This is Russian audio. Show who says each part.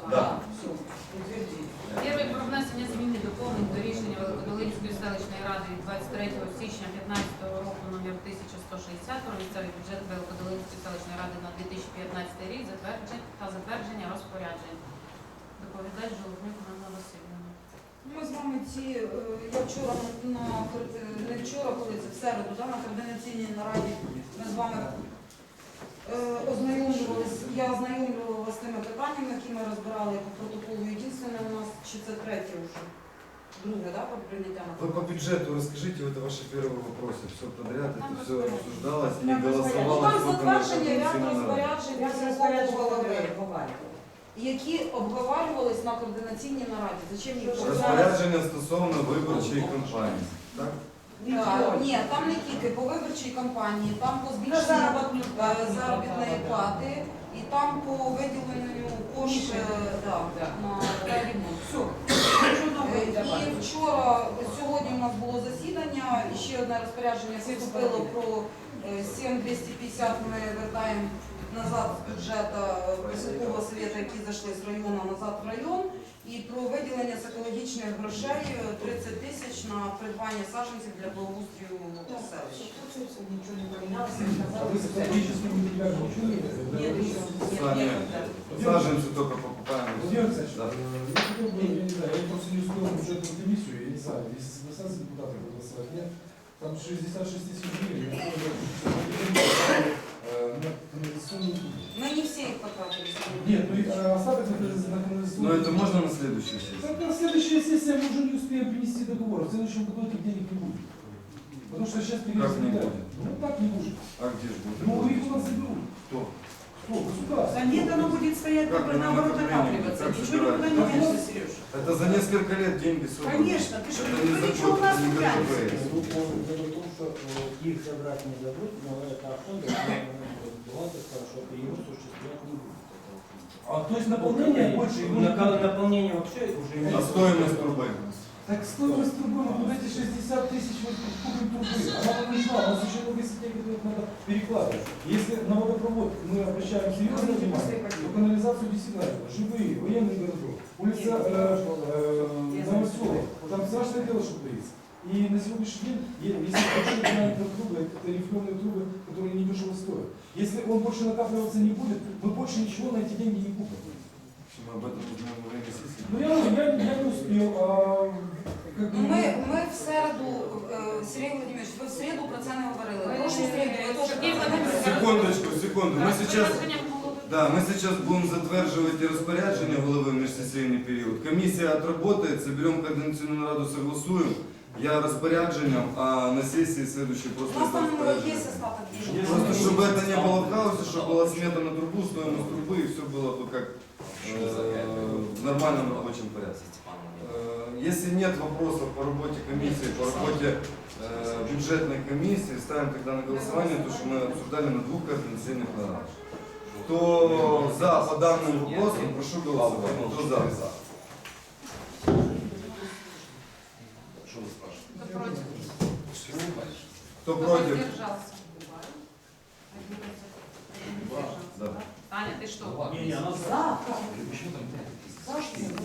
Speaker 1: Да.
Speaker 2: Все, утвердили.
Speaker 3: Перше про внесення змін і доповнень до рішення Великодолинської селищної ради від 23 січня 2015 року номер 1160 про місцевий бюджет Великодолинської селищної ради на 2015 рік та затвердження розпоряджень. Доповідач Жолобнюк Ганна Васильівна.
Speaker 2: Ми з вами я вчора, не вчора, коли це в середу, на координаційній нараді ми з вами я ознайомлювала вас з тими питаннями, які ми розбирали по протоколу. Єдине у нас, чи це третє вже, друге, по прийняття на
Speaker 1: Вы по бюджету расскажите, это ваши первые вопросы. Все подряд,
Speaker 3: Там
Speaker 1: это все
Speaker 3: розпорядження.
Speaker 1: обсуждалось, не
Speaker 2: Ну,
Speaker 1: голосовалось.
Speaker 2: там
Speaker 1: только на
Speaker 2: затвердження ряд
Speaker 1: координаційній нараді.
Speaker 2: розпоряджень голови, які обговорювались на координаційній нараді. Зачем їх
Speaker 1: Розпорядження стосовно виборчої кампанії. Так?
Speaker 2: Ні, там не тільки по виборчій кампанії, там по збільшенню заробітної плати і там по виділенню коштів на ремонт. Все. І вчора, сьогодні у нас було засідання, і ще одне розпорядження поступило про 7250 ми вертаємо назад з бюджету Високового совєту, які зайшли з району назад в район, і про виділення з екологічних грошей 30 тисяч на придбання саджанців для благоустрою селища.
Speaker 4: Ничего не поменялось.
Speaker 5: А вы с экологическим материалом ничего не
Speaker 2: Нет,
Speaker 5: делаете?
Speaker 2: еще.
Speaker 1: Сами саженцы только покупаем.
Speaker 5: Владимир Александрович,
Speaker 1: Да.
Speaker 5: я хотел бы, я не знаю, я просто не успел в бюджетную комиссию, я не знаю, если согласятся депутаты проголосовать, нет, там 66 тысяч гривен, я помню, на канализационную трубу.
Speaker 2: Мы не все их потратили.
Speaker 5: Нет, ну и остаток на канализационную.
Speaker 1: Но это можно на следующую сессию?
Speaker 5: Так, на следующая сессия мы уже не успеем принести договор, в следующем году этих денег не будет. Потому что сейчас
Speaker 1: Как не будет?
Speaker 5: Ну так не будет.
Speaker 1: А где же будет?
Speaker 5: Ну их у нас заберут.
Speaker 1: Кто?
Speaker 5: Кто? Государство.
Speaker 4: Да нет, оно будет стоять
Speaker 1: Как
Speaker 4: только
Speaker 1: вы
Speaker 4: наоборот
Speaker 1: на
Speaker 4: накапливаться.
Speaker 1: как
Speaker 4: Ничего никуда не
Speaker 1: собираетесь?
Speaker 4: денется, Сереж.
Speaker 1: Это за несколько лет деньги собраны.
Speaker 4: Конечно, ты что,
Speaker 1: Это не
Speaker 4: ты
Speaker 1: за
Speaker 4: что у
Speaker 1: год,
Speaker 4: нас
Speaker 1: не
Speaker 4: гуляешь?
Speaker 1: ГПС.
Speaker 6: Дело в том, что их забрать не дадут, но это фонд, бухгалтер сказал, что его осуществлять не будет.
Speaker 5: А то есть наполнение больше его не будет.
Speaker 6: Наполнение вообще уже не
Speaker 1: А стоимость трубы?
Speaker 5: Так стоимость трубы, вот эти 60 тысяч вот купим трубы, она нам нужна, у нас еще много сетей, которых надо перекладывать. Если на водопровод мы обращаем серьезное внимание, то канализацию действительно надо. Живые, военный городок, улица Новоселов, там страшное дело, что творится. И на сегодняшний день, если большие диаметр трубы, это рифленые трубы, которые недешево стоят. Если он больше накапливаться не будет, мы больше ничего на эти деньги не купим.
Speaker 1: Мы об этом узнаем во время сессии.
Speaker 5: Ну я не успел, как бы...
Speaker 2: Ми в середу, Сергій Володимирович, ви в середу про це не говорили. Прошу середу, ви теж
Speaker 3: Сергій Володимирович,
Speaker 1: Секунду. Мы сейчас... Да, мы сейчас будем затверживать и распоряджение головы в межсессийный период. Комиссия отработает, соберем координационную раду, согласуем. Я распоряджением, а на сессии следующей
Speaker 2: У
Speaker 1: просто...
Speaker 2: нас там є
Speaker 1: распоряджение.
Speaker 2: остаток денег.
Speaker 1: Просто чтобы это не было в хаосе, чтобы была смета на трубу, стоимость трубы, и все было бы как в нормальном рабочем порядке. Если нет вопросов по работе комиссии, по работе бюджетной комиссии, ставим тогда на голосование то, что мы обсуждали на двух координационных нарадах. Кто за по данным вопросам, прошу голосовать. Кто за?
Speaker 3: Кто против?
Speaker 1: Кто против?
Speaker 3: Воздержался.
Speaker 1: Да.
Speaker 3: Таня, ты что?
Speaker 6: Не, она
Speaker 4: За, как? За что?